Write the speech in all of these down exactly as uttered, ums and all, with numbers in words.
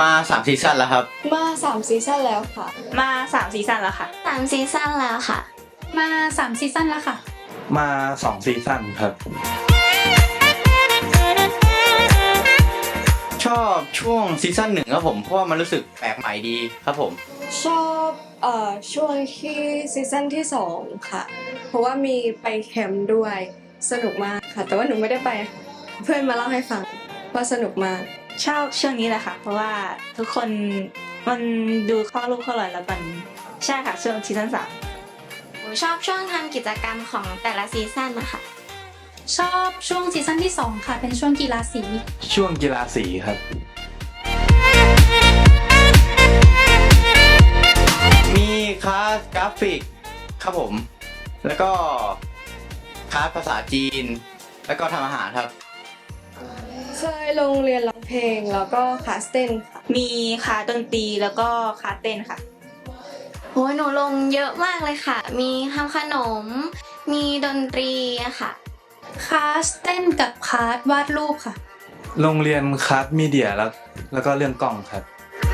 มาสามซีซั่นแล้วครับมาสามซีซั่นแล้วค่ะมาสามซีซั่นแล้วค่ะสามซีซั่นแล้วค่ะมาสามซีซั่นแล้วค่ะมาสองซีซั่นครับชอบช่วงซีซั่นหนึ่งครับผมเพราะว่ามันรู้สึกแปลกใหม่ดีครับผมชอบเอ่อช่วงที่ซีซั่นที่สองค่ะเพราะว่ามีไปแคมป์ด้วยสนุกมากค่ะแต่ว่าหนูไม่ได้ไปเพื่อนมาเล่าให้ฟังว่าสนุกมากชอบช่วงนี้แหละค่ะเพราะว่าทุกคนมันดูเข้ารูปเข้ารอยแล้วมันใช่ค่ะช่วงซีซั่นสามหนูชอบช่วงทำกิจกรรมของแต่ละซีซั่นนะคะชอบช่วงซีซั่นที่สองค่ะเป็นช่วงกีฬาสีช่วงกีฬาสีครับมีคลาสกราฟิกครับผมแล้วก็คลาสภาษาจีนแล้วก็ทำอาหารครับเคยลงเรียนร้องเพลงแล้วก็คลาสเต้นค่ะมีคลาสดนตรีแล้วก็คลาสเต้นค่ะโหหนูลงเยอะมากเลยค่ะมีทำขนมมีดนตรีอะค่ะคลาสเต้นกับคลาสวาดรูปค่ะโรงเรียนคลาสมีเดียแล้วแล้วก็เรื่องกล้องครับ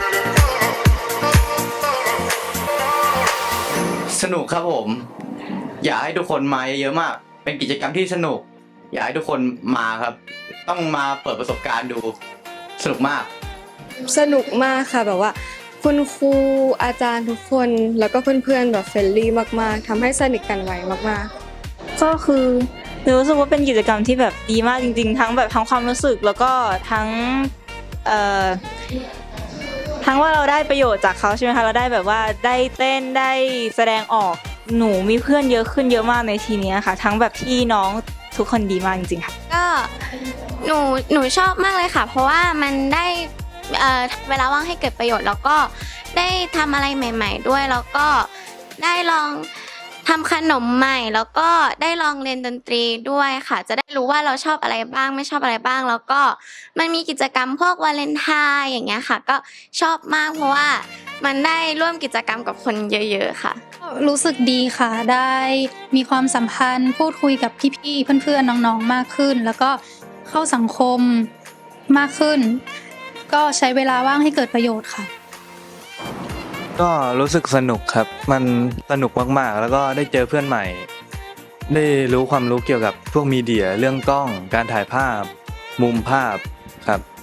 สนุกครับผมอยากให้ทุกคนมาเยอะๆมากเป็นกิจกรรมที่สนุกอยากให้ทุกคนมาครับต้องมาเปิดประสบการณ์ดูสนุกมากสนุกมากค่ะแบบว่าคุณครูอาจารย์ทุกคนแล้วก็เพื่อนๆแบบเฟรนลี่มากๆทำให้สนิทกันไวมากๆก็คือหนูรู้สึกว่าเป็นกิจกรรมที่แบบดีมากจริงๆทั้งแบบทั้งความรู้สึกแล้วก็ทั้งเอ่อทั้งว่าเราได้ประโยชน์จากเขาใช่ไหมคะเราได้แบบว่าได้เต้นได้แสดงออกหนูมีเพื่อนเยอะขึ้นเยอะมากในทีนี้ค่ะทั้งแบบพี่น้องทุกคนดีมากจริงๆค่ะก็หนูหนูชอบมากเลยค่ะเพราะว่ามันได้เอ่อเวลาว่างให้เกิดประโยชน์แล้วก็ได้ทำอะไรใหม่ๆด้วยแล้วก็ได้ลองทำขนมใหม่แล้วก็ได้ลองเรียนดนตรีด้วยค่ะจะได้รู้ว่าเราชอบอะไรบ้างไม่ชอบอะไรบ้างแล้วก็มันมีกิจกรรมพวกวาเลนไทน์อย่างเงี้ยค่ะก็ชอบมากเพราะว่ามันได้ร่วมกิจกรรมกับคนเยอะๆค่ะรู้สึกดีค่ะได้มีความสัมพันธ์พูดคุยกับพี่ๆเพื่อนๆน้องๆมากขึ้นแล้วก็เข้าสังคมมากขึ้นก็ใช้เวลาว่างให้เกิดประโยชน์ค่ะก็รู้สึกสนุกครับมันสนุกมากๆแล้วก็ได้เจอเพื่อนใหม่ได้รู้ความรู้เกี่ยวกับพวกมีเดียเรื่องกล้องการถ่ายภาพมุมภาพครับ